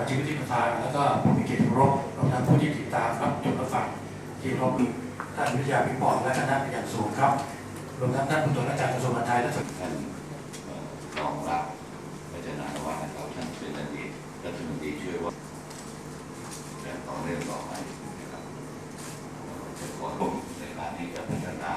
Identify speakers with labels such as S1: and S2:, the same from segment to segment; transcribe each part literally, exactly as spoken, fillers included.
S1: ชีวิตที่ประทานแล้วก็ผู้มีเกียรติเคารพรวมทั้งผู้ที่ติดตามรับชมรับฟังที่เคารพท่านวิทยาพิพรและคณะเป็นอย่างสูงครับรวมทั้งท่านผู้ตรวจราชการกระทรวงมหาดไทยและ
S2: ท่านรองรับพัฒนาวัฒน์นะครับท่านเป็นอดีตรัฐมนตรีช่วยว่าและต่อเรื่องต่อไปนะครับจะขอร่วมในการที่จะพัฒนา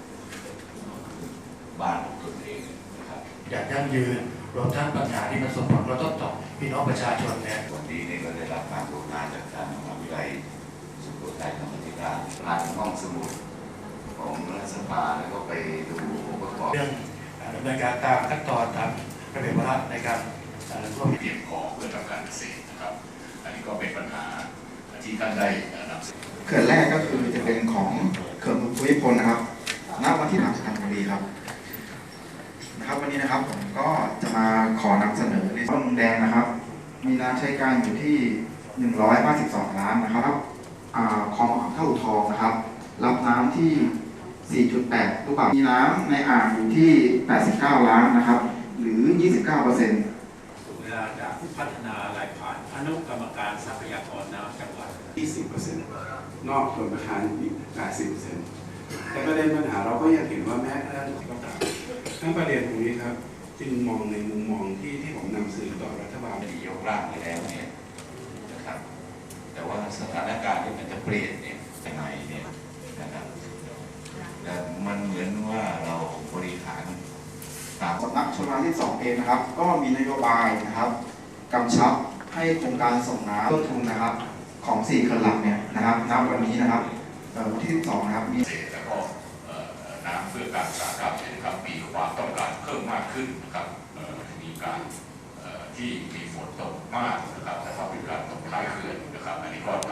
S2: บ้านของตนเองนะครับ
S1: อย่างยั่งยืนรวมทั้งปัญหาที่มันส่งผลกระทบต่อพี่น้องประชาชนเนี่ย
S2: วันนี้นี่ก็ได้รับการโปรดงานจากทางมหาวิทยาลัยสุโขทัยธรรมาธิการผ่านห้องสมุดของรัฐสภาแล้วก็ไปดูองค์ประกอบ
S1: เรื่องดำเนินการตามขั้นตอนตามระเบียบวาระในการร่วม
S3: เพียงพอเพื่อทำการเกษตรนะครับอันนี้ก็เป็นปัญหาที่ท่านได้นำเสนอ
S4: เขื่อนแรกก็คือจะเป็นของเขื่อนภูมิพลนะครับณวันที่หลังสุพรรณบุรีครับนะครับวันนี้นะครับผมก็จะมาขอนำเสนอในต้นแดงนะครับ มีน้ำใช้การอยู่ที่หนึ่งร้อยห้าสิบสองล้านนะครับคลองอ่างเท่าทองนะครับรับน้ำที่ สี่จุดแปด ลูกบาศก์มีน้ำในอ่างอยู่ที่แปดสิบเก้าล้านนะครับหรือ ยี่สิบเก้าเปอร์เซ็นต์
S5: เวลาจากผู้พัฒนาลายผ่านอนุกรรมการทรัพยากรน้ำจังหวัด
S6: ยี่สิบเปอร์เซ็นต์ นอกส่วนประธานอีก แปดสิบเปอร์เซ็นต์ แต่ประเด็นปัญหาเราก็ยังเห็นว่าแม้กระทั่งก็ตามทั้งประเด็นตรงนี้ครับจึงมองในมุมมองที่ที่ผมนำสื่อต่อรัฐบาล
S2: ที่ยกร่างไปแล้วเนี่ยนะครับแต่ว่าสถานการณ์ที่มันจะเปลี่ยนเนี่ยยังไงเนี่ยนะครับแต่มันเหมือนว่าเราบริหารตาม
S4: สำนักชลประทานที่สองเองนะครับก็มีนโยบายนะครับกำชับให้โครงการส่งน้ำต้นทุนนะครับของสี่เขื่อนหลักเนี่ยนะครับณวันนี้นะครับวันที่สิบสองนะครับมี
S3: เกษตรแล้วก็น้ำเพื่อการอุตสาหกรรมนะครับมีความต้องการเพิ่มมากขึ้นนะครับมีการที่มีฝนตกมากนะครับแต่ว่าเป็นการตกท้ายเขื่อนนะครับอันนี้ก็